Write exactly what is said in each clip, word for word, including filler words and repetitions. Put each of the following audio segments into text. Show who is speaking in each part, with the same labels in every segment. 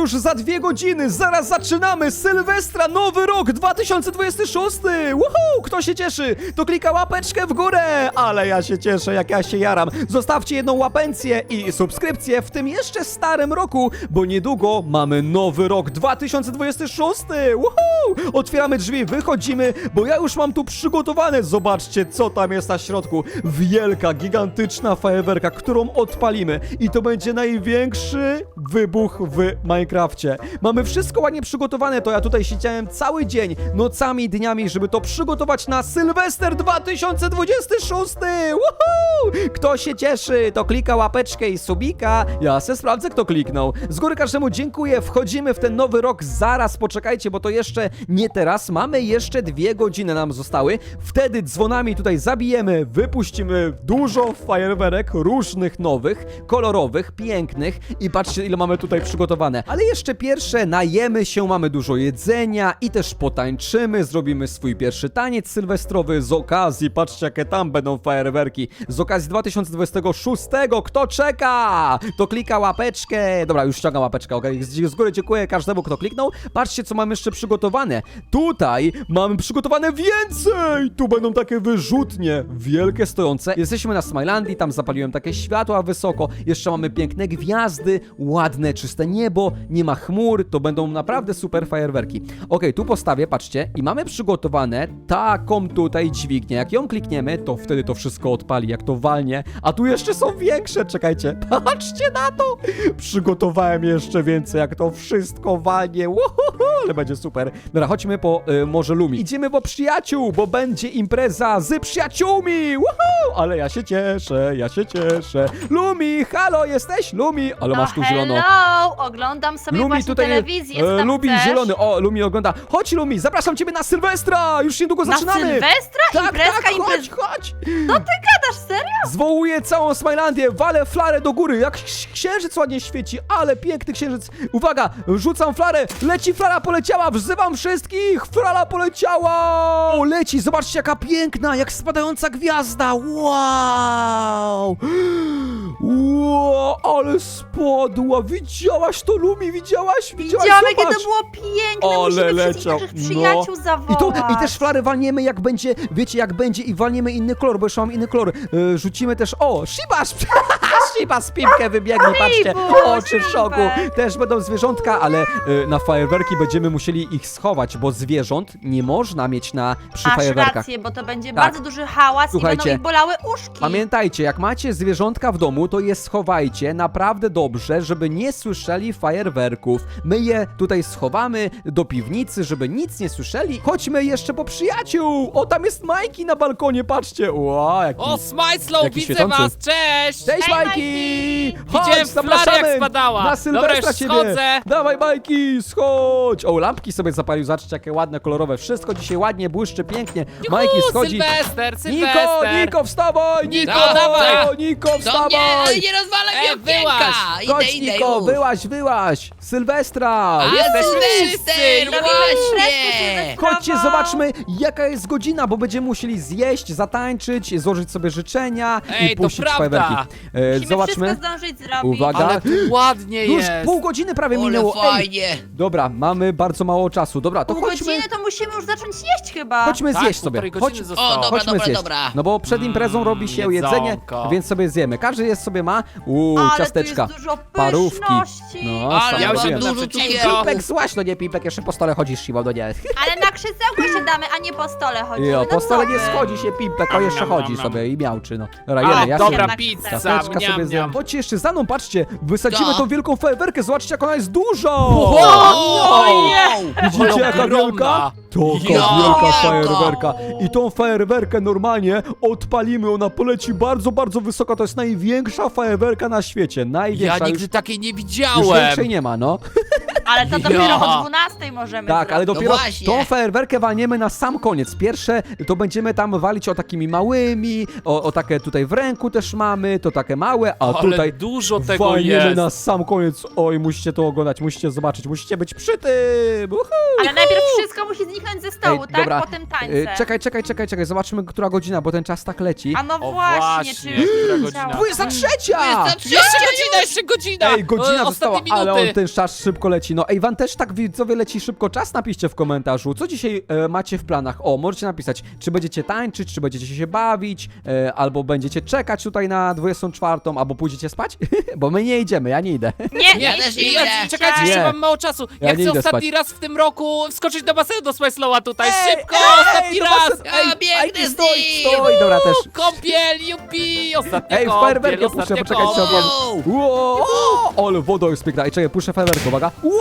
Speaker 1: już za dwie godziny, zaraz zaczynamy! Sylwestra, nowy rok dwa tysiące dwudziesty szósty! Woohoo! Kto się cieszy, to klika łapeczkę w górę! Ale ja się cieszę, jak ja się jaram. Zostawcie jedną łapencję i subskrypcję w tym jeszcze starym roku, bo niedługo mamy nowy rok dwa tysiące dwudziesty szósty! Woohoo! Otwieramy drzwi, wychodzimy, bo ja już mam tu przygotowane. Zobaczcie, co tam jest na środku. Wielka, gigantyczna fajerwerka, którą odpalimy. I to będzie największy wybuch w Minecrafcie. Mamy wszystko ładnie przygotowane, to ja tutaj siedziałem cały dzień, nocami, dniami, żeby to przygotować na Sylwester dwa tysiące dwudziesty szósty! Woohoo! Kto się cieszy, to klika łapeczkę i subika. Ja se sprawdzę, kto kliknął. Z góry każdemu dziękuję, wchodzimy w ten nowy rok. Zaraz poczekajcie, bo to jeszcze nie teraz. Mamy jeszcze dwie godziny nam zostały. Wtedy dzwonami tutaj zabijemy, wypuścimy dużo fajerwerek, różnych nowych, kolorowych, pięknych i patrzcie, ile mamy tutaj przygotowane. Ale jeszcze pierwsze, najemy się, mamy dużo jedzenia i też potańczymy, zrobimy swój pierwszy taniec sylwestrowy z okazji, patrzcie, jakie tam będą fajerwerki. Z okazji dwa tysiące dwudziestego szóstego, kto czeka? To klika łapeczkę. Dobra, już ściągam łapeczkę, okej? Z, z góry dziękuję każdemu, kto kliknął. Patrzcie, co mamy jeszcze przygotowane. Tutaj mamy przygotowane więcej! Tu będą takie wyrzutnie, wielkie, stojące. Jesteśmy na Smilandii, tam zapaliłem takie światła wysoko. Jeszcze mamy piękne gwiazdy, ładne, czyste niebo, nie ma chmur, to będą naprawdę super fajerwerki. Okej, tu postawię, patrzcie, i mamy przygotowane taką tutaj dźwignię. Jak ją klikniemy, to wtedy to wszystko odpali, jak to walnie. A tu jeszcze są większe, czekajcie, patrzcie na to! Przygotowałem jeszcze więcej, jak to wszystko walnie. Uhuhu, ale będzie super. Dobra, chodźmy po y, Morze Lumi. Idziemy po przyjaciół, bo będzie impreza z przyjaciółmi. Uhu, ale ja się cieszę, ja się cieszę. Lumi, halo, jesteś? Lumi, ale
Speaker 2: No
Speaker 1: masz tu zielono.
Speaker 2: hello, oglądam sobie
Speaker 1: Lumi
Speaker 2: właśnie
Speaker 1: tutaj
Speaker 2: telewizję, co
Speaker 1: e,
Speaker 2: tam
Speaker 1: Lumi
Speaker 2: chcesz?
Speaker 1: zielony, o, Lumi ogląda. Chodź Lumi, zapraszam ciebie na Sylwestra, już niedługo
Speaker 2: Na
Speaker 1: zaczynamy.
Speaker 2: Sylwestra?
Speaker 1: Tak,
Speaker 2: Imprezka,
Speaker 1: tak,
Speaker 2: imprez...
Speaker 1: chodź, chodź.
Speaker 2: No ty gadasz, serio?
Speaker 1: Zwołuję całą Smilandię, walę flarę do góry, jak księżyc ładnie świeci, ale piękny księżyc. Uwaga, rzucam flarę, leci flara, poleciała, wzywam wszystkich, flara poleciała. O, leci, zobaczcie jaka piękna, jak spadająca gwiazda, wow. Wow, ale spadła, widziałaś to Lumi, widziałaś? Widziałaś,
Speaker 2: Widziałam, jakie
Speaker 1: zobacz.
Speaker 2: to było piękne,
Speaker 1: Ale
Speaker 2: musimy
Speaker 1: leciał,
Speaker 2: wszystkich naszych
Speaker 1: no.
Speaker 2: przyjaciół zawołać.
Speaker 1: I, to, I też flary walniemy jak będzie, wiecie jak będzie i walniemy inny kolor, bo jeszcze mam inny kolor. Yy, rzucimy też, o, Shibasz, Shibasz z Pipkę wybiegli, patrzcie,
Speaker 2: Shibu,
Speaker 1: oczy w szoku.
Speaker 2: Shibek.
Speaker 1: Też będą zwierzątka, ale yy, na fajerwerki będziemy musieli ich schować, bo zwierząt nie można mieć na, przy
Speaker 2: Masz
Speaker 1: fajerwerkach.
Speaker 2: rację, bo to będzie
Speaker 1: Tak.
Speaker 2: bardzo duży hałas
Speaker 1: Słuchajcie,
Speaker 2: i będą ich bolały uszki.
Speaker 1: Pamiętajcie, jak macie zwierzątka w domu, to je schowajcie naprawdę dobrze, żeby nie słyszeli fajerwerków. My je tutaj schowamy do piwnicy, żeby nic nie słyszeli. Chodźmy jeszcze po przyjaciół! O, tam jest Majki na balkonie, patrzcie! Wow, jaki...
Speaker 3: O, Smajslow,
Speaker 1: Jaki
Speaker 3: widzę
Speaker 1: świecący.
Speaker 3: was, cześć!
Speaker 1: Cześć
Speaker 2: Hej,
Speaker 1: Majki!
Speaker 3: Widziałem
Speaker 1: Chodź,
Speaker 3: flarę,
Speaker 1: zapraszamy
Speaker 3: jak spadała.
Speaker 1: na
Speaker 3: Dobra,
Speaker 1: Sylwestra
Speaker 3: już
Speaker 1: ciebie!
Speaker 3: schodzę.
Speaker 1: Dawaj Majki, schodź! O, lampki sobie zapalił, zobaczcie jakie ładne, kolorowe. Wszystko dzisiaj ładnie błyszczy, pięknie.
Speaker 3: Juhu,
Speaker 1: Majki schodzi.
Speaker 3: Sylwester,
Speaker 1: Niko,
Speaker 3: Sylwester!
Speaker 1: Niko, wstawaj! Niko,
Speaker 3: No, dawaj.
Speaker 1: Niko,
Speaker 4: Do mnie, ale
Speaker 1: wstawaj!
Speaker 4: nie rozwalaj
Speaker 3: Ej,
Speaker 4: mi okienka! Idę,
Speaker 1: Chodź,
Speaker 4: idę
Speaker 1: Niko,
Speaker 4: już!
Speaker 1: wyłaź, wyłaź! Sylwestra!
Speaker 4: A,
Speaker 3: Jesteśmy
Speaker 4: Sylwester,
Speaker 3: wszyscy!
Speaker 4: właśnie!
Speaker 1: Chodźcie, zobaczmy jaka jest godzina, bo będziemy musieli zjeść, zatańczyć, złożyć sobie życzenia
Speaker 3: Ej,
Speaker 1: i
Speaker 3: to
Speaker 1: puścić
Speaker 3: prawda.
Speaker 1: fajerwerki. E,
Speaker 2: Musimy
Speaker 1: zobaczmy.
Speaker 2: wszystko zdążyć zrobić.
Speaker 1: Uwaga.
Speaker 3: Ale tu ładnie
Speaker 1: Już
Speaker 3: jest!
Speaker 1: pół godziny prawie
Speaker 4: Ale
Speaker 1: minęło. Ej,
Speaker 4: fajnie!
Speaker 1: dobra, mamy bardzo mało czasu. Dobra, to
Speaker 2: Pół
Speaker 1: chodźmy.
Speaker 2: godziny to musimy już zacząć jeść chyba.
Speaker 1: Chodźmy
Speaker 3: Tak,
Speaker 1: zjeść sobie.
Speaker 3: półtorej
Speaker 1: Chodź,
Speaker 3: godziny zostało.
Speaker 4: O, dobra,
Speaker 1: chodźmy
Speaker 4: dobra,
Speaker 1: zjeść.
Speaker 4: dobra.
Speaker 1: No bo przed imprezą robi się
Speaker 3: Mm,
Speaker 1: jedzenie,
Speaker 3: jedzonko.
Speaker 1: więc sobie zjemy. Każdy jest sobie ma. Uuu,
Speaker 2: Ale
Speaker 1: ciasteczka.
Speaker 2: tu jest dużo
Speaker 1: parówki.
Speaker 2: pyszności.
Speaker 1: No,
Speaker 4: Ale
Speaker 1: same
Speaker 3: ja już
Speaker 1: robię.
Speaker 3: jem
Speaker 4: dużo
Speaker 3: na
Speaker 1: Ej,
Speaker 4: cukierów!
Speaker 1: Pipek, złaś, no nie Pipek, jeszcze po stole chodzisz, siła, no nie.
Speaker 2: Ale na krzesełko się damy, a nie po stole chodzimy.
Speaker 1: Jo,
Speaker 2: no
Speaker 1: po stole
Speaker 2: co
Speaker 1: nie
Speaker 2: ty?
Speaker 1: schodzi się Pipek, o jeszcze
Speaker 3: Miam,
Speaker 1: chodzi
Speaker 3: miam,
Speaker 1: sobie i miałczy, no. Dobra,
Speaker 3: A,
Speaker 1: jemy, ja
Speaker 3: dobra,
Speaker 1: sobie
Speaker 2: na
Speaker 3: pizza,
Speaker 1: ciasteczka
Speaker 3: miam,
Speaker 1: sobie zjem.
Speaker 3: miam.
Speaker 1: Chodźcie jeszcze za mną, patrzcie, wysadzimy
Speaker 4: Co?
Speaker 1: tą wielką fajerwerkę, zobaczcie jak ona jest duża!
Speaker 3: Wow!
Speaker 1: Widzicie
Speaker 3: Ale
Speaker 1: jaka
Speaker 3: ogromna.
Speaker 1: wielka? Taka
Speaker 4: Ja,
Speaker 1: wielka
Speaker 4: jaka.
Speaker 1: fajerwerka. I tą fajerwerkę normalnie odpalimy, ona poleci bardzo, bardzo wysoko, to jest największa fajerwerka na świecie,
Speaker 3: Ja
Speaker 1: największa.
Speaker 3: nigdy
Speaker 1: już,
Speaker 3: takiej nie
Speaker 1: już
Speaker 3: widziałem!
Speaker 1: większej nie ma, no.
Speaker 2: Ale to
Speaker 3: Ja.
Speaker 2: dopiero o dwunastej możemy
Speaker 1: Tak, ale
Speaker 2: zrobić.
Speaker 1: dopiero
Speaker 4: właśnie.
Speaker 1: tą fajerwerkę walniemy na sam koniec. Pierwsze to będziemy tam walić o takimi małymi, o, o takie tutaj w ręku też mamy, to takie małe, a
Speaker 3: Ale
Speaker 1: tutaj
Speaker 3: dużo tego
Speaker 1: walniemy
Speaker 3: jest!
Speaker 1: na sam koniec. Oj, musicie to oglądać, musicie zobaczyć, musicie być przy tym. Uhu.
Speaker 2: Ale najpierw wszystko musi zniknąć ze stołu,
Speaker 1: Ej,
Speaker 2: tak?
Speaker 1: dobra,
Speaker 2: Potem
Speaker 1: Y,
Speaker 2: tańce.
Speaker 1: Czekaj, czekaj, czekaj, czekaj, zobaczymy, która godzina, bo ten czas tak leci.
Speaker 2: A no
Speaker 3: O,
Speaker 2: właśnie,
Speaker 3: właśnie,
Speaker 2: czy już
Speaker 3: która
Speaker 2: leciało?
Speaker 3: godzina?
Speaker 1: dwudziesta trzecia!
Speaker 4: Dwudziesta trzecia!
Speaker 3: Jeszcze godzina, jeszcze godzina!
Speaker 1: Ej, godzina
Speaker 3: E,
Speaker 1: została,
Speaker 3: ostatnie
Speaker 1: ale
Speaker 3: minuty.
Speaker 1: on ten czas szybko leci. leci. No ej, wam też tak widzowie leci szybko czas? Napiszcie w komentarzu, co dzisiaj e, macie w planach. O, możecie napisać, czy będziecie tańczyć, czy będziecie się bawić, e, albo będziecie czekać tutaj na dwudziestą czwartą, albo pójdziecie spać? Bo my nie idziemy, ja nie idę.
Speaker 2: Nie,
Speaker 4: Ja
Speaker 2: nie,
Speaker 4: też
Speaker 2: nie,
Speaker 4: nie
Speaker 3: Ja,
Speaker 4: idę.
Speaker 3: czekajcie,
Speaker 1: Nie.
Speaker 3: jeszcze mam mało czasu.
Speaker 1: Ja
Speaker 3: Ja,
Speaker 1: nie
Speaker 3: chcę
Speaker 1: idę
Speaker 3: ostatni
Speaker 1: spać.
Speaker 3: raz w tym roku wskoczyć do basenu do Smajslowa tutaj.
Speaker 1: Ej,
Speaker 3: Szybko,
Speaker 1: ej,
Speaker 3: ostatni
Speaker 1: do
Speaker 3: raz.
Speaker 1: basenu. Ej,
Speaker 4: A, biegnę
Speaker 1: ej,
Speaker 4: z
Speaker 1: stój,
Speaker 4: nim.
Speaker 1: stój, dobra też.
Speaker 3: Kąpiel, jupi, ostatnia
Speaker 1: Ej,
Speaker 3: kąpiel,
Speaker 1: fajerwerkę puszczę,
Speaker 3: ostatnia
Speaker 1: poczekajcie,
Speaker 3: kąpiel.
Speaker 1: oglądam. Wow, o, ale woda jest piękna. Ej, czekaj, puszczę fajerwerkę, uwaga. Wow,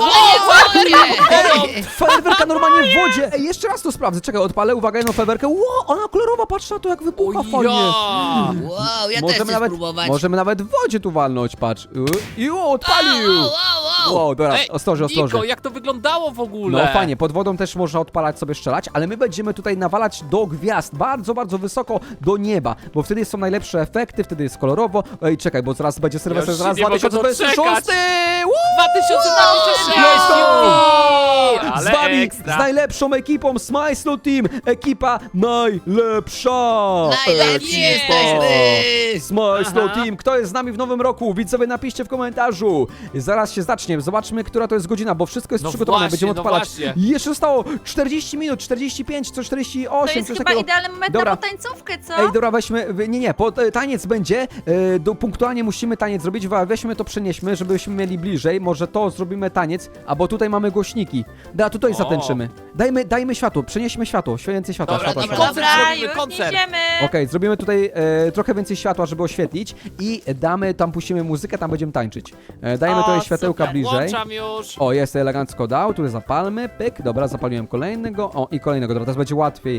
Speaker 1: ej, fajerwerka normalnie w wodzie. Ej, jeszcze raz to sprawdzę, czekaj, odpalę, uwaga, jedną fajerwerkę. Wow, ona kolorowa, patrz na to, jak wybucha
Speaker 3: O
Speaker 1: fajnie.
Speaker 3: ja.
Speaker 4: Wow, ja też
Speaker 1: Możemy
Speaker 4: chcę
Speaker 1: nawet,
Speaker 4: spróbować.
Speaker 1: możemy nawet w wodzie tu walnąć, patrz. I o,
Speaker 4: Au,
Speaker 1: odpalił.
Speaker 4: au, au, au.
Speaker 1: Wow, dobra,
Speaker 3: Ej,
Speaker 1: ostrożnie,
Speaker 3: Niko,
Speaker 1: ostrożnie.
Speaker 3: jak to wyglądało w ogóle?
Speaker 1: No fajnie, pod wodą też można odpalać sobie strzelać, ale my będziemy tutaj nawalać do gwiazd, bardzo, bardzo wysoko do nieba, bo wtedy są najlepsze efekty, wtedy jest kolorowo. Ej, czekaj, bo zaraz będzie Sylwester,
Speaker 3: już
Speaker 1: zaraz
Speaker 3: nie mogę
Speaker 1: dwa tysiące dwudziesty szósty! Woo!
Speaker 3: dwa tysiące dwudziesty
Speaker 1: Let's go!
Speaker 3: szósty!
Speaker 1: Z
Speaker 3: Ale
Speaker 1: wami,
Speaker 3: ekstra.
Speaker 1: z najlepszą ekipą Smajslu Team, ekipa najlepsza!
Speaker 4: Najlepsi
Speaker 1: Ekipa.
Speaker 4: jesteśmy.
Speaker 1: Smajslu
Speaker 3: Aha.
Speaker 1: Team, kto jest z nami w nowym roku? Widzowie, napiszcie w komentarzu. Zaraz się zacznie, zobaczmy, która to jest godzina, bo wszystko jest
Speaker 3: No
Speaker 1: przygotowane,
Speaker 3: właśnie,
Speaker 1: będziemy
Speaker 3: no
Speaker 1: odpalać.
Speaker 3: właśnie.
Speaker 1: I jeszcze zostało czterdzieści minut, czterdzieści pięć, co czterdzieści
Speaker 2: To
Speaker 1: osiem,
Speaker 2: jest
Speaker 1: coś
Speaker 2: chyba
Speaker 1: takiego.
Speaker 2: idealny moment
Speaker 1: Dobra.
Speaker 2: na potańcówkę, co?
Speaker 1: Ej, dobra, weźmy, wy- nie, nie, po, e, taniec będzie, e, do, punktualnie musimy taniec zrobić, wa- weźmy to, przenieśmy, żebyśmy mieli bliżej, może to zrobimy taniec, albo tutaj mamy głośniki. Da, tutaj
Speaker 3: O.
Speaker 1: zatęczymy. Dajmy, dajmy światło, przenieśmy światło, więcej światła,
Speaker 3: Dobra,
Speaker 1: światła,
Speaker 3: dobra,
Speaker 1: światła.
Speaker 3: koncert
Speaker 2: Dobra,
Speaker 3: zrobimy,
Speaker 2: już
Speaker 3: koncert.
Speaker 2: idziemy.
Speaker 1: Okej, zrobimy tutaj e, trochę więcej światła, żeby oświetlić i damy, tam puścimy muzykę, tam będziemy tańczyć. E, dajmy
Speaker 2: O,
Speaker 1: tutaj światełka
Speaker 2: super.
Speaker 1: bliżej.
Speaker 3: Włączam już.
Speaker 1: O, jest elegancko dał, tu zapalmy, pyk, dobra, zapaliłem kolejnego, o i kolejnego, dobra, teraz będzie łatwiej.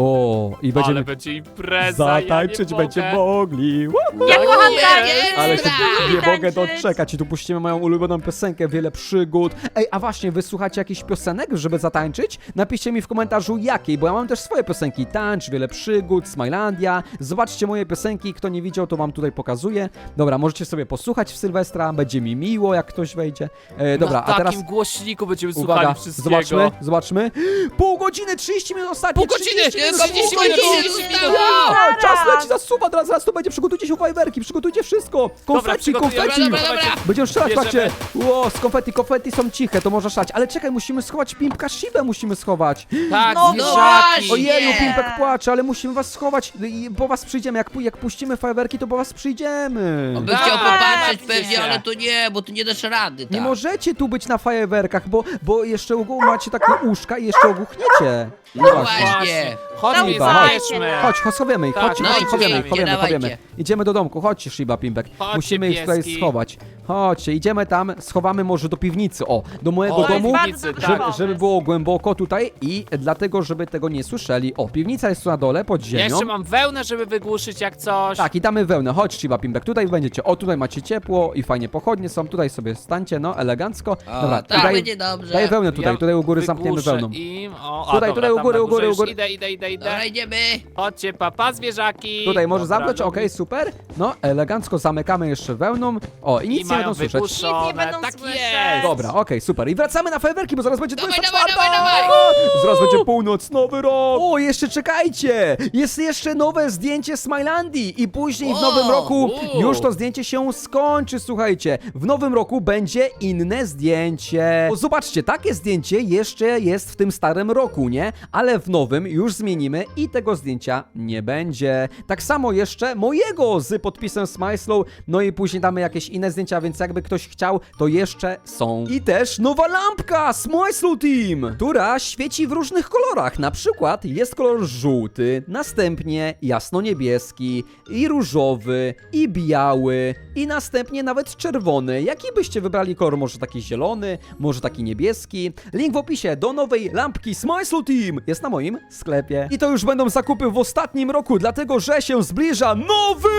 Speaker 1: O, i będziemy
Speaker 3: Ale będzie impreza,
Speaker 1: zatańczyć,
Speaker 3: ja nie
Speaker 1: będziemy
Speaker 3: mogę.
Speaker 1: mogli. Woo!
Speaker 2: Ja kocham
Speaker 4: Nie,
Speaker 2: tańczyć.
Speaker 1: Ale się
Speaker 4: Ekstra.
Speaker 1: nie mogę
Speaker 2: Tańczyć.
Speaker 1: doczekać i tu puścimy moją ulubioną piosenkę, wiele przygód. Ej, a właśnie, wy słuchacie jakichś piosenek, żeby zatańczyć? Napiszcie mi w komentarzu jakiej, bo ja mam też swoje piosenki. Tańcz, wiele przygód, Smilandia. Zobaczcie moje piosenki, kto nie widział, to wam tutaj pokazuję. Dobra, możecie sobie posłuchać w Sylwestra, będzie mi miło, jak ktoś wejdzie. E, dobra,
Speaker 3: Na
Speaker 1: a teraz...
Speaker 3: takim głośniku będziemy
Speaker 1: Uwaga,
Speaker 3: słuchali wszystkiego.
Speaker 1: zobaczmy, zobaczmy. Pół godziny, trzydzieści minut ostatnie.
Speaker 3: Pół godziny,
Speaker 1: trzydzieści minut,
Speaker 3: trzydzieści
Speaker 1: pół
Speaker 3: minut,
Speaker 1: godziny.
Speaker 3: trzydzieści minut.
Speaker 1: Ja, czas
Speaker 2: Zaraz.
Speaker 1: leci, zasuwa, teraz, zaraz to będzie. Przygotujcie się fajerwerki, przygotujcie wszystko. Konfetti,
Speaker 3: przygotujemy,
Speaker 1: konfetti.
Speaker 4: dobra, dobra, dobra.
Speaker 1: Będziemy strzelać,
Speaker 3: Bierzemy.
Speaker 1: patrzcie. Ło, z konfetti, konfetti są ciche, to można strzelać. Ale czekaj, musimy schować Pimpka Shibę, musimy schować.
Speaker 3: Tak,
Speaker 2: No
Speaker 3: zwierzaki.
Speaker 4: właśnie.
Speaker 1: Ojeju,
Speaker 4: Nie.
Speaker 1: Pimpek płacze, ale musimy was schować. I po was przyjdziemy, jak, pu- jak puścimy fajerwerki, to po was przyjdziemy.
Speaker 4: On by
Speaker 3: Tak,
Speaker 4: chciał popatrzeć
Speaker 3: tak,
Speaker 4: pewnie,
Speaker 3: się.
Speaker 4: ale to nie, bo tu nie dasz rady, tak.
Speaker 1: Nie możecie tu być na fajerwerkach, bo, bo jeszcze ogół macie takie uszka i jeszcze ogłuchniecie.
Speaker 4: No
Speaker 1: Właśnie.
Speaker 4: właśnie.
Speaker 3: Chodźmy,
Speaker 1: Shiba,
Speaker 2: chodź.
Speaker 3: zabierzmy.
Speaker 1: Chodź, chodź, schowiemy ich,
Speaker 3: Tak,
Speaker 1: chodźcie,
Speaker 3: no
Speaker 1: chodźcie,
Speaker 3: idźcie,
Speaker 1: chowiemy ich,
Speaker 4: idźcie,
Speaker 1: chowiemy,
Speaker 4: dawajcie.
Speaker 1: chowiemy. Idziemy do domku, chodźcie, Shiba, Pimpek.
Speaker 3: Chodźcie,
Speaker 1: Musimy ich tutaj
Speaker 3: pieski.
Speaker 1: schować. Chodźcie, idziemy tam, schowamy może do piwnicy, o, do mojego
Speaker 3: O,
Speaker 1: domu,
Speaker 2: bardzo
Speaker 3: piwnicy,
Speaker 2: dobry
Speaker 3: tak.
Speaker 1: żeby,
Speaker 2: pomysł.
Speaker 1: żeby było głęboko tutaj i dlatego, żeby tego nie słyszeli. O, piwnica jest tu na dole, pod
Speaker 3: Ja
Speaker 1: ziemią.
Speaker 3: jeszcze mam wełnę, żeby wygłuszyć jak coś.
Speaker 1: Tak, i damy wełnę. Chodź, Shiba, Pimpek, tutaj będziecie. O, tutaj macie ciepło i fajnie pochodnie są. Tutaj sobie stańcie, no, elegancko.
Speaker 4: O,
Speaker 1: Dobra,
Speaker 4: tak
Speaker 1: daj,
Speaker 4: będzie dobrze.
Speaker 1: daj wełnę tutaj,
Speaker 3: Ja
Speaker 1: tutaj u góry zamkniemy
Speaker 3: wygłuszę
Speaker 1: wełną.
Speaker 3: Im. O, a,
Speaker 1: Tutaj,
Speaker 3: dobra,
Speaker 1: tutaj u
Speaker 3: tam
Speaker 1: góry,
Speaker 3: na
Speaker 1: u góry,
Speaker 3: górze
Speaker 1: u góry.
Speaker 3: już Idę, idę, idę, idę.
Speaker 4: Dobra, idziemy.
Speaker 3: Chodźcie, papa, zwierzaki.
Speaker 1: Tutaj może
Speaker 3: Dobra,
Speaker 1: zamknąć, okej,
Speaker 3: lubię.
Speaker 1: super. No, elegancko zamykamy jeszcze wełną. O, i
Speaker 3: I
Speaker 1: nic nie
Speaker 3: mają
Speaker 1: będą słyszeć.
Speaker 3: wygłuszone.
Speaker 2: Nic nie będą
Speaker 3: Tak
Speaker 2: słyszeć.
Speaker 3: jest.
Speaker 1: Dobra, okej, super. I wracamy na fajerwerki, bo zaraz będzie
Speaker 4: Dawaj,
Speaker 1: dwudziesta czwarta.
Speaker 4: dawaj, dawaj, dawaj.
Speaker 1: Zaraz będzie północ, nowy rok. O, jeszcze czekajcie. Jest jeszcze nowe zdjęcie Smilandii i później w
Speaker 4: O,
Speaker 1: nowym roku
Speaker 3: u.
Speaker 1: już to zdjęcie się skończy, słuchajcie. W nowym roku będzie inne zdjęcie. O, zobaczcie, takie zdjęcie jeszcze jest w tym starym roku, nie? Ale w nowym już zmienimy i tego zdjęcia nie będzie. Tak samo jeszcze mojego z podpisem Smajslow, no i później damy jakieś inne zdjęcia, więc jakby ktoś chciał, to jeszcze są. I też nowa lampka Smajslow Team, która świeci w różnych kolorach. Na przykład jest kolor żółty, następnie jasno-niebieski i różowy i biały i następnie nawet czerwony. Jaki byście wybrali kolor? Może taki zielony, może taki niebieski? Link w opisie do nowej lampki Smajslow Team jest na moim sklepie. I to już będą zakupy w ostatnim roku, dlatego że się zbliża nowy!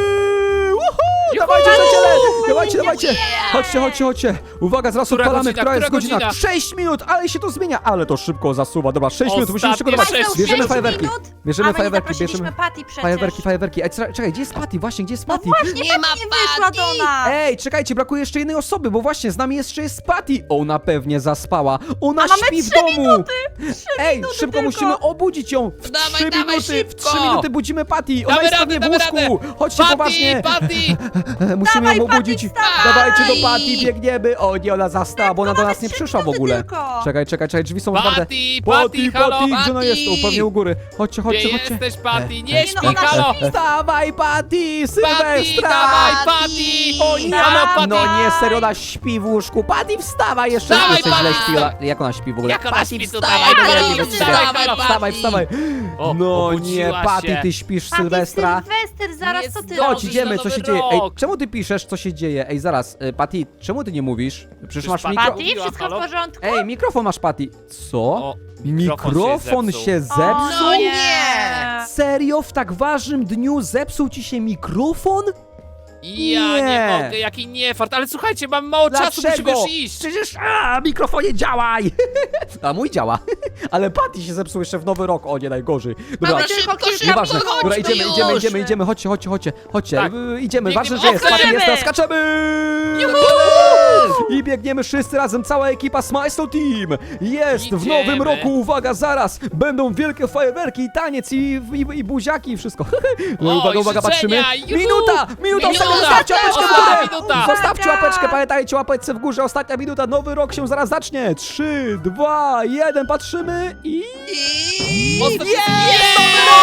Speaker 1: Woohoo! Dawajcie, przyjaciele! Dawajcie, dawajcie! Chodźcie, chodźcie, chodźcie! Uwaga, zaraz
Speaker 3: Która
Speaker 1: odpalamy,
Speaker 3: godzina?
Speaker 1: która jest
Speaker 3: Która
Speaker 1: godzina?
Speaker 3: godzina?
Speaker 1: sześć minut, ale się to zmienia, ale to szybko zasuwa. Dobra, sześć minut, musimy
Speaker 3: Ostatnie
Speaker 1: przygotować.
Speaker 3: sześć
Speaker 1: Bierzemy
Speaker 3: minut.
Speaker 1: fajerwerki.
Speaker 2: minut?
Speaker 1: Bierzemy
Speaker 2: A my nie
Speaker 1: fajerwerki,
Speaker 2: zaprosiliśmy
Speaker 1: bierzemy
Speaker 2: Patty przecież.
Speaker 1: fajerwerki, fajerwerki. Ej, czekaj, czekaj, gdzie jest Patty? Właśnie, gdzie jest Patty?
Speaker 2: Właśnie,
Speaker 4: Nie
Speaker 2: Patty
Speaker 4: ma
Speaker 2: nie wyszła do
Speaker 4: Patty.
Speaker 2: nas.
Speaker 1: Ej, czekajcie, brakuje jeszcze jednej osoby, bo właśnie z nami jeszcze jest Patty. Ona pewnie zaspała. Ona
Speaker 2: A mamy
Speaker 1: śpi w
Speaker 2: trzy
Speaker 1: domu. Ej,
Speaker 2: minuty
Speaker 1: szybko
Speaker 2: tylko.
Speaker 1: musimy obudzić ją. W
Speaker 4: Dawaj,
Speaker 1: trzy
Speaker 4: dawaj,
Speaker 1: minuty, w
Speaker 4: szybko.
Speaker 1: trzy minuty budzimy Patty. Ona
Speaker 3: Damy
Speaker 1: jest
Speaker 3: radę,
Speaker 1: pewnie w
Speaker 3: damy
Speaker 1: łóżku.
Speaker 3: radę.
Speaker 1: Chodźcie
Speaker 3: Patty,
Speaker 1: poważnie.
Speaker 3: Patty!
Speaker 1: e, musimy
Speaker 2: Dawaj,
Speaker 1: ją
Speaker 2: Patty,
Speaker 1: obudzić.
Speaker 2: wstawaj!
Speaker 1: Dawajcie do Patty, biegniemy. O nie, ona zastała, bo ona do nas nie przyszła w ogóle.
Speaker 2: Tylko.
Speaker 1: Czekaj, czekaj, czekaj, drzwi są otwarte.
Speaker 3: Patty, Patty, halo,
Speaker 1: gdzie ona jest? O, pewnie u góry. Chodźcie,
Speaker 3: Gdzie
Speaker 1: chodźcie, chodźcie.
Speaker 3: jesteś, Patty?
Speaker 1: E,
Speaker 3: Nie
Speaker 1: e,
Speaker 3: śpi,
Speaker 2: ona
Speaker 3: halo!
Speaker 2: śpi.
Speaker 1: Wstawaj, Patty,
Speaker 3: Patty,
Speaker 1: Sylwestra!
Speaker 3: dawaj, Patty!
Speaker 1: O nie,
Speaker 3: Halo,
Speaker 1: ona,
Speaker 3: Patty!
Speaker 1: no nie, serio, ona śpi w łóżku. Patty, wstawaj, jeszcze
Speaker 3: Dawaj,
Speaker 1: jeszcze źle
Speaker 3: Patty!
Speaker 1: śpi. Ona, jak ona śpi w ogóle?
Speaker 3: Jak ona
Speaker 1: Patty,
Speaker 3: śpi
Speaker 1: wstawaj,
Speaker 3: tutaj?
Speaker 1: no nie,
Speaker 3: Patty,
Speaker 1: nie, nie,
Speaker 3: wstawaj,
Speaker 1: wstawaj,
Speaker 3: halo,
Speaker 1: wstawaj,
Speaker 4: Patty.
Speaker 1: wstawaj.
Speaker 3: O,
Speaker 1: No nie,
Speaker 3: obudziła
Speaker 1: Patty,
Speaker 3: się.
Speaker 1: ty śpisz,
Speaker 2: Patty,
Speaker 1: Sylwestra.
Speaker 2: Sylwester, zaraz co ty
Speaker 3: Chodź,
Speaker 1: Chodź,
Speaker 2: robisz?
Speaker 1: idziemy,
Speaker 3: na
Speaker 1: co się
Speaker 3: nowy
Speaker 1: dzieje? Ej,
Speaker 3: rok.
Speaker 1: czemu ty piszesz, co się dzieje? Ej, zaraz, y, Patty, czemu ty nie mówisz? Przecież masz
Speaker 3: Patty-
Speaker 1: mikro...
Speaker 2: Patty, wszystko
Speaker 3: Halo?
Speaker 2: w porządku?
Speaker 1: Ej, mikrofon masz, Patty. Co?
Speaker 3: O, mikrofon się
Speaker 1: Mikrofon
Speaker 3: zepsuł.
Speaker 1: się zepsuł?
Speaker 2: O,
Speaker 4: No
Speaker 2: nie.
Speaker 1: Serio? W tak ważnym dniu zepsuł ci się mikrofon?
Speaker 3: Ja
Speaker 1: Nie.
Speaker 3: nie mogę, jaki niefart, ale słuchajcie, mam mało czasu, musimy już iść.
Speaker 1: Przecież, a, mikrofonie działaj! A mój działa. Ale Patty się zepsuł jeszcze w nowy rok. O nie, najgorzej. Dobra,
Speaker 4: Dobra,
Speaker 2: tylko
Speaker 4: szybko,
Speaker 2: kilka
Speaker 4: szybko,
Speaker 1: nieważne.
Speaker 2: minut.
Speaker 1: Dobra, idziemy,
Speaker 4: już.
Speaker 1: idziemy, idziemy, idziemy. Chodźcie, chodźcie, chodźcie. Chodźcie,
Speaker 3: Tak.
Speaker 1: y, idziemy.
Speaker 3: Biegniemy.
Speaker 1: Ważne, że jest.
Speaker 3: O,
Speaker 1: Patty jest, teraz
Speaker 2: skaczemy.
Speaker 1: skaczemy! I biegniemy wszyscy razem, cała ekipa Smile Slow Team. Jest w
Speaker 3: Idziemy.
Speaker 1: nowym roku, uwaga, zaraz. Będą wielkie fajerwerki, i taniec, i, i, i buziaki, i wszystko. No,
Speaker 3: O,
Speaker 1: uwaga,
Speaker 3: i
Speaker 1: uwaga, patrzymy.
Speaker 3: życzenia, juhu!
Speaker 1: Minuta, minuta,
Speaker 4: Minuta.
Speaker 1: ostatnia, zostawcie łapeczkę w
Speaker 3: Ostatnia
Speaker 1: górę.
Speaker 3: minuta.
Speaker 1: Zostawcie
Speaker 2: Uwaga.
Speaker 1: łapeczkę, pamiętajcie, łapeczce w górze, ostatnia minuta, nowy rok się zaraz zacznie. Trzy, dwa, jeden, patrzymy i...
Speaker 4: I...
Speaker 3: Ostatni-
Speaker 1: Jest!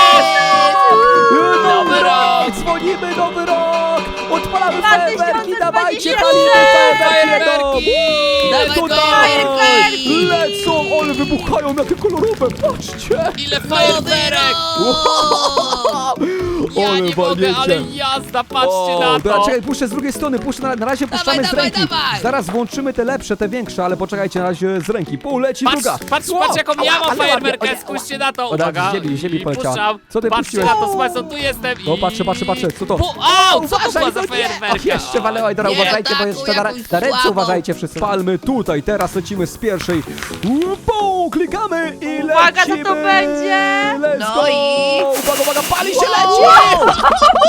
Speaker 3: Nowy
Speaker 1: Nowy
Speaker 3: rok!
Speaker 1: rok! Dzwonimy, nowy rok! Odpalamy
Speaker 2: dwa
Speaker 1: fajerwerki,
Speaker 2: tysiące
Speaker 1: dawajcie,
Speaker 2: dwadzieścia
Speaker 1: palimy
Speaker 2: trzy!
Speaker 1: fajerwerki!
Speaker 3: Fajerwerki!
Speaker 1: Tutaj!
Speaker 2: Fajerwerki!
Speaker 1: Lecą, ale wybuchają, jakie kolorowe, patrzcie!
Speaker 3: Ile fajerwerek! Ja
Speaker 1: Ale
Speaker 3: nie mogę,
Speaker 1: walnięcie.
Speaker 3: ale jazda, patrzcie
Speaker 1: O,
Speaker 3: na
Speaker 1: dobra,
Speaker 3: to!
Speaker 1: czekaj, puszczę z drugiej strony, puszczę na, na razie puszczamy z
Speaker 4: dawaj,
Speaker 1: ręki.
Speaker 4: dawaj.
Speaker 1: Zaraz włączymy te lepsze, te większe, ale poczekajcie na razie z ręki. Poleci
Speaker 3: Patrz,
Speaker 1: druga.
Speaker 3: patrz,
Speaker 1: Wow,
Speaker 3: patrz jaką ja
Speaker 1: ała,
Speaker 3: mam
Speaker 1: ale
Speaker 3: fajerwerkę,
Speaker 1: ładnie,
Speaker 3: spójrzcie na to,
Speaker 1: O, tak,
Speaker 3: uwaga!
Speaker 1: z ziemi, z ziemi
Speaker 3: I
Speaker 1: poleciała.
Speaker 3: puszczam.
Speaker 1: Co ty
Speaker 3: Patrzcie
Speaker 1: puściłeś?
Speaker 3: na to, Smajson, tu jestem i...
Speaker 1: O, patrzę, patrzę, patrzę, co to?
Speaker 3: Po, au, co to była za
Speaker 1: no nie.
Speaker 3: fajerwerka?
Speaker 1: O, jeszcze walęła i teraz
Speaker 4: Nie,
Speaker 1: uważajcie, bo
Speaker 4: taką
Speaker 1: jeszcze na,
Speaker 4: jakąś
Speaker 1: na ręce
Speaker 4: słabą.
Speaker 1: uważajcie wszyscy. Palmy tutaj, teraz lecimy z pierwszej. Uuu, klikamy i lecimy.
Speaker 2: Uwaga, co to będzie?
Speaker 1: Let's
Speaker 4: No
Speaker 1: go.
Speaker 4: i-
Speaker 1: Uwaga, uwaga, pali się,
Speaker 4: Wow.
Speaker 1: leci!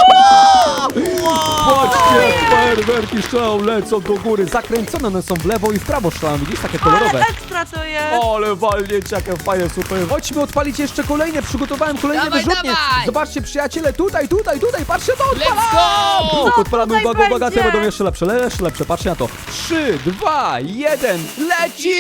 Speaker 1: Patrzcie, fajerwerki strzelają, lecą do góry, zakręcone one są w lewo i w prawo strzelają, widzisz, takie kolorowe.
Speaker 2: Ale ekstra to jest.
Speaker 1: Ale walnięcie, jakie fajne, super. Chodźmy odpalić jeszcze kolejne, przygotowałem kolejne
Speaker 4: Dawaj,
Speaker 1: wyrzutnie.
Speaker 4: dawaj.
Speaker 1: Zobaczcie, przyjaciele, tutaj, tutaj, tutaj, patrzcie, to odpalam!
Speaker 3: Let's go!
Speaker 2: Co
Speaker 1: Odpalamy,
Speaker 2: tutaj
Speaker 1: uwaga, uwaga, te
Speaker 2: będzie?
Speaker 1: będą jeszcze lepsze, le- jeszcze lepsze, patrzcie na to. Trzy, dwa, jeden, leci!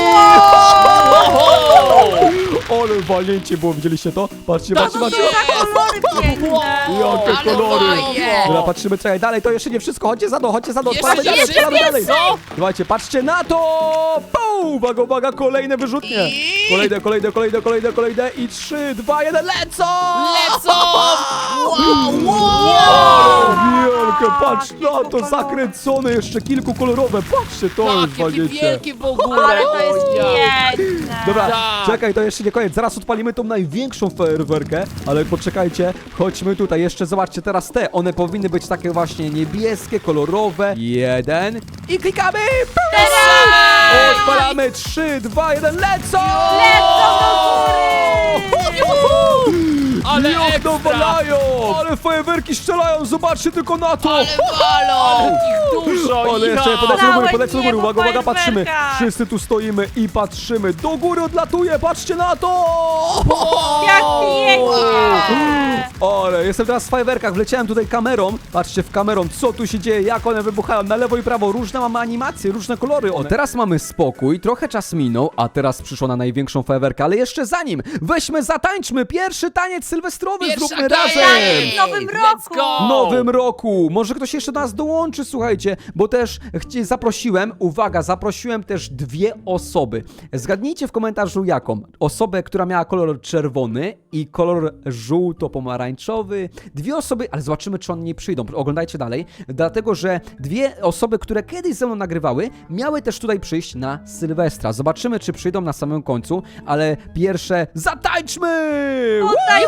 Speaker 1: Ale walnięcie było, widzieliście to? Patrzcie,
Speaker 3: To
Speaker 1: patrzcie,
Speaker 2: To
Speaker 1: patrzcie.
Speaker 2: są kolory piękne.
Speaker 1: Jakie
Speaker 4: Ale
Speaker 1: kolory!
Speaker 4: fajnie.
Speaker 1: Dobra, patrzymy, czekaj, dalej, to jeszcze nie wszystko, chodźcie za mną, chodźcie za mną,
Speaker 3: Jeszcze
Speaker 1: odpalamy dalej,
Speaker 3: nie,
Speaker 1: odpalamy dalej.
Speaker 3: co?
Speaker 1: Słuchajcie, patrzcie na to! Pum! Uwaga, uwaga, kolejne wyrzutnie!
Speaker 4: I-
Speaker 1: Kolejne, kolejne, kolejne, kolejne, kolejne i trzy, dwa, jeden, lecą!
Speaker 3: Lecą!
Speaker 4: Wow, wow.
Speaker 1: O, wielkie, patrz
Speaker 2: Jakie
Speaker 1: na to,
Speaker 2: kolory.
Speaker 1: zakręcone, jeszcze kilku kolorowe, patrzcie, to jest
Speaker 3: Takie
Speaker 1: walnięcie.
Speaker 3: wielkie w ogóle!
Speaker 2: Ale to jest
Speaker 3: O, ja.
Speaker 2: piękne.
Speaker 1: Dobra,
Speaker 3: Tak.
Speaker 1: czekaj, to jeszcze nie koniec, zaraz odpalimy tą największą fajerwerkę, ale poczekajcie, chodźmy tutaj, jeszcze zobaczcie teraz te, one powinny być takie właśnie niebieskie, kolorowe, jeden i klikamy! Odpalamy, trzy, dwa, jeden, lecą!
Speaker 2: Lecą do góry!
Speaker 1: Juhu!
Speaker 3: Ale
Speaker 1: Jak
Speaker 3: ekstra!
Speaker 1: dowalają! Ale fajerwerki strzelają, zobaczcie tylko na to!
Speaker 4: Ale walą.
Speaker 3: Ich dużo,
Speaker 1: Ale jeszcze
Speaker 3: ja.
Speaker 1: polecę do góry,
Speaker 2: Całe
Speaker 1: polecę do góry,
Speaker 2: niebo
Speaker 1: uwaga, uwaga, patrzymy.
Speaker 2: fajerwerka.
Speaker 1: Wszyscy tu stoimy i patrzymy. Do góry odlatuje, patrzcie na to!
Speaker 2: Jak pięknie!
Speaker 1: Ale jestem teraz w fajerwerkach, wleciałem tutaj kamerą. Patrzcie w kamerą, co tu się dzieje, jak one wybuchają na lewo i prawo. Różne mamy animacje, różne kolory. O, teraz mamy spokój, trochę czas minął, a teraz przyszło na największą fajerwerkę. Ale jeszcze zanim, weźmy, zatańczmy pierwszy taniec sylwestrowy,
Speaker 4: Pierwsza
Speaker 1: zróbmy
Speaker 4: taniec!
Speaker 1: razem!
Speaker 2: W nowym
Speaker 3: Let's
Speaker 2: roku!
Speaker 3: go!
Speaker 1: Nowym roku! Może ktoś jeszcze do nas dołączy, słuchajcie, bo też chci- zaprosiłem, uwaga, zaprosiłem też dwie osoby. Zgadnijcie w komentarzu jaką. Osobę, która miała kolor czerwony i kolor żółto-pomarańczowy. Dwie osoby, ale zobaczymy, czy one nie przyjdą. Oglądajcie dalej, dlatego, że dwie osoby, które kiedyś ze mną nagrywały, miały też tutaj przyjść na Sylwestra. Zobaczymy, czy przyjdą na samym końcu, ale pierwsze zatańczmy!
Speaker 2: Tutaj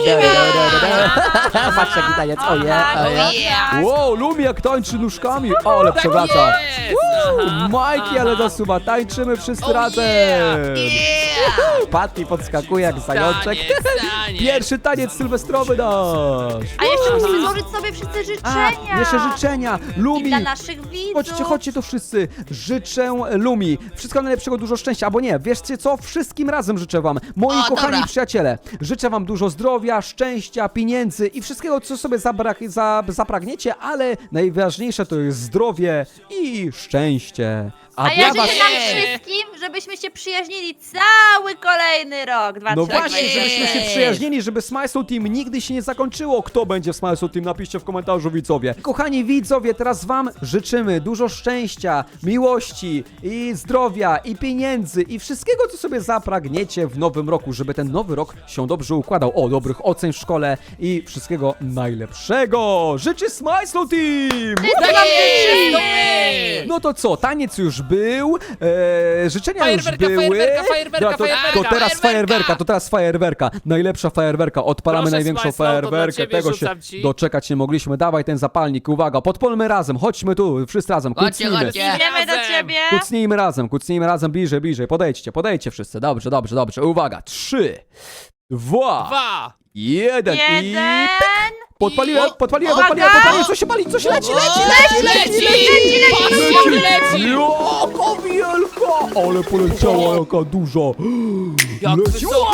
Speaker 1: Patrz jaki taniec, oje, oje.
Speaker 4: Yeah.
Speaker 1: Wow, Lumi jak tańczy nóżkami, ale przewraca.
Speaker 3: Jest! Aha,
Speaker 1: Majki, ale zasuwa, tańczymy wszyscy razem.
Speaker 4: Yeah.
Speaker 1: Patty podskakuje jak zajączek.
Speaker 3: Taniec, taniec.
Speaker 1: Pierwszy taniec sylwestrowy. sylwestrowy nasz.
Speaker 2: A jeszcze musimy złożyć sobie wszyscy
Speaker 1: A,
Speaker 2: życzenia.
Speaker 1: jeszcze życzenia.
Speaker 2: I
Speaker 1: Lumi.
Speaker 2: dla naszych widzów.
Speaker 1: Chodźcie, chodźcie tu wszyscy. Życzę Lumi wszystkiego najlepszego, dużo szczęścia. Albo nie, wieszcie co? Wszystkim razem życzę wam, moi
Speaker 4: O,
Speaker 1: kochani
Speaker 4: dobra.
Speaker 1: przyjaciele. Życzę wam dużo zdrowia, szczęścia, pieniędzy i wszystkiego, co sobie zabrak, za, zapragniecie, ale najważniejsze to jest zdrowie i szczęście. A,
Speaker 2: A
Speaker 1: dla
Speaker 2: ja
Speaker 1: was...
Speaker 2: życzę nam wszystkim, żebyśmy się przyjaźnili cały kolejny rok. dwa
Speaker 1: No
Speaker 2: tysiące
Speaker 1: właśnie,
Speaker 2: dwudziesty.
Speaker 1: żebyśmy się przyjaźnili, żeby Smile Soul Team nigdy się nie zakończyło. Kto będzie w Smile Soul Team? Napiszcie w komentarzu, widzowie. Kochani widzowie, teraz wam życzymy dużo szczęścia, miłości i zdrowia i pieniędzy i wszystkiego, co sobie zapragniecie w nowym roku, żeby ten nowy rok się dobrze układał. O, dobrych ocen w szkole i wszystkiego najlepszego. Życzy Smile Soul Team!
Speaker 2: Wszyscy wam życzymy.
Speaker 1: No to co, taniec już był, e, życzenia już
Speaker 3: Fajerwerka,
Speaker 1: były.
Speaker 3: fajerwerka, fajerwerka,
Speaker 1: No to,
Speaker 3: fajerwerka,
Speaker 1: to teraz
Speaker 3: fajerwerka.
Speaker 1: fajerwerka, to teraz fajerwerka. Najlepsza fajerwerka, odpalamy
Speaker 3: Proszę,
Speaker 1: największą
Speaker 3: Smile Soul, to dla
Speaker 1: fajerwerkę.
Speaker 3: ciebie
Speaker 1: Tego się
Speaker 3: rzucam ci.
Speaker 1: doczekać nie mogliśmy. Dawaj ten zapalnik, uwaga, podpalmy razem, chodźmy tu, wszyscy razem,
Speaker 4: Chodźcie,
Speaker 1: kucnijmy.
Speaker 4: chodźcie.
Speaker 2: Idziemy do
Speaker 3: Razem.
Speaker 2: ciebie.
Speaker 1: Kucnijmy razem, kucnijmy razem, bliżej, bliżej, podejdźcie, podejdźcie wszyscy. Dobrze, dobrze, dobrze, uwaga, trzy, dwa,
Speaker 3: Dwa.
Speaker 1: jeden i...
Speaker 2: Jeden.
Speaker 1: Podpaliłem,
Speaker 3: I-
Speaker 1: podpaliłem,
Speaker 2: Uwaga!
Speaker 1: podpaliłem, podpaliłem, co się pali, co się leci, leci, leci, leci,
Speaker 3: Leci!
Speaker 1: leci,
Speaker 3: Patrzcie, leci!
Speaker 1: Jaka wielka! Ale poleciała, jaka duża!
Speaker 3: Jak
Speaker 1: Leci.
Speaker 3: wysoko!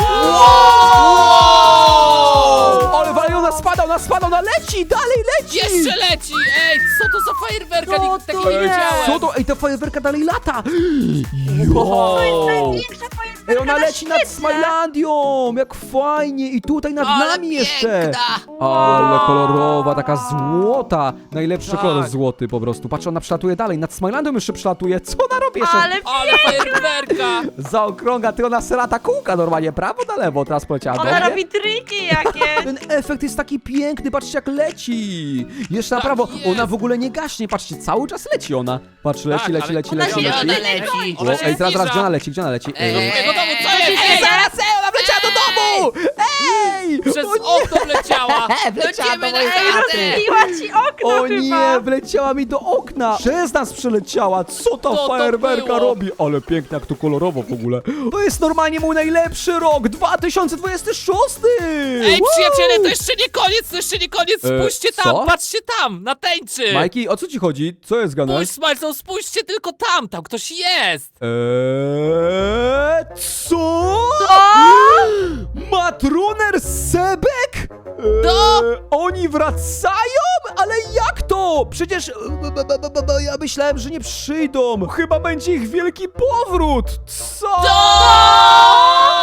Speaker 1: Wow! Ale wali, ona spada, ona spada, ona leci, dalej leci!
Speaker 3: Jeszcze leci! Ej, co to za fajerwerka?
Speaker 2: Co
Speaker 3: Nikt takiego
Speaker 2: to
Speaker 3: nie
Speaker 2: jest?
Speaker 3: widziałem!
Speaker 1: Co to? Ej, ta fajerwerka dalej lata!
Speaker 2: To jest
Speaker 1: Jo!
Speaker 2: największa fajerwerka
Speaker 1: Ej, ona
Speaker 2: na
Speaker 1: leci nad
Speaker 2: świecie.
Speaker 1: Smilandią! Jak fajnie! I tutaj nad
Speaker 4: Ale
Speaker 1: nami jeszcze!
Speaker 4: piękna.
Speaker 1: Ale kolorowa, taka złota! Najlepszy
Speaker 3: Tak.
Speaker 1: kolor złoty po prostu. Patrz, ona przelatuje dalej, nad Smilandią jeszcze przelatuje. Co ona robi jeszcze?
Speaker 2: Ale
Speaker 3: Ale fajerwerka!
Speaker 1: Zaokrąga, ty ona serata kółka normalnie, prawo na lewo, teraz poleciała do
Speaker 2: ona
Speaker 1: mnie.
Speaker 2: robi triki jakieś.
Speaker 1: Ten efekt jest taki piękny, patrzcie jak leci! Jeszcze na
Speaker 3: Tak
Speaker 1: prawo,
Speaker 3: jest.
Speaker 1: ona w ogóle nie gaśnie, patrzcie, cały czas leci ona. Patrz, leci,
Speaker 3: Tak,
Speaker 1: leci,
Speaker 3: ale
Speaker 1: leci,
Speaker 2: ona
Speaker 1: leci,
Speaker 2: się
Speaker 1: leci.
Speaker 4: Gdzie
Speaker 2: nie
Speaker 4: ona leci?
Speaker 1: O,
Speaker 3: Ona się
Speaker 1: ej, zaraz, zaraz,
Speaker 3: zbliża.
Speaker 1: gdzie ona leci, gdzie ona leci?
Speaker 4: Ej,
Speaker 3: Do
Speaker 1: Ej,
Speaker 3: mojego domu, co
Speaker 2: Co się
Speaker 3: jest?
Speaker 2: dzieje?
Speaker 3: Ej,
Speaker 1: zaraz, ej, ona wleciała do domu! Ej!
Speaker 3: Przez
Speaker 1: O nie!
Speaker 3: okno wleciała!
Speaker 1: Wleciała do
Speaker 4: Lecimy na
Speaker 1: mojej
Speaker 2: Ej,
Speaker 1: chaty!
Speaker 2: rozbiła ci okno
Speaker 1: O
Speaker 2: chyba.
Speaker 1: nie, wleciała mi do okna! Przez nas przeleciała! Co ta
Speaker 3: to
Speaker 1: fajerwerka
Speaker 3: było?
Speaker 1: robi? Ale pięknie, jak to kolorowo w ogóle. To jest normalnie mój najlepszy rok, dwa tysiące dwudziesty szósty!
Speaker 3: Ej,
Speaker 1: Woo!
Speaker 3: przyjaciele, to jeszcze nie koniec, to jeszcze nie koniec!
Speaker 1: E,
Speaker 3: Spójrzcie tam,
Speaker 1: co?
Speaker 3: patrzcie tam, na tęczy!
Speaker 1: Majki, o co ci chodzi? Co jest gane?
Speaker 3: Spójrz, Smilson, spójrzcie tylko tam, tam ktoś jest!
Speaker 1: Eee, co?
Speaker 2: Co?
Speaker 1: Matruner Sebek? Eee,
Speaker 3: To?
Speaker 1: Oni wracają? Ale jak to? Przecież e, b- b- b- b- ja myślałem, że nie przyjdą. Chyba będzie ich wielki powrót. Co?
Speaker 3: To!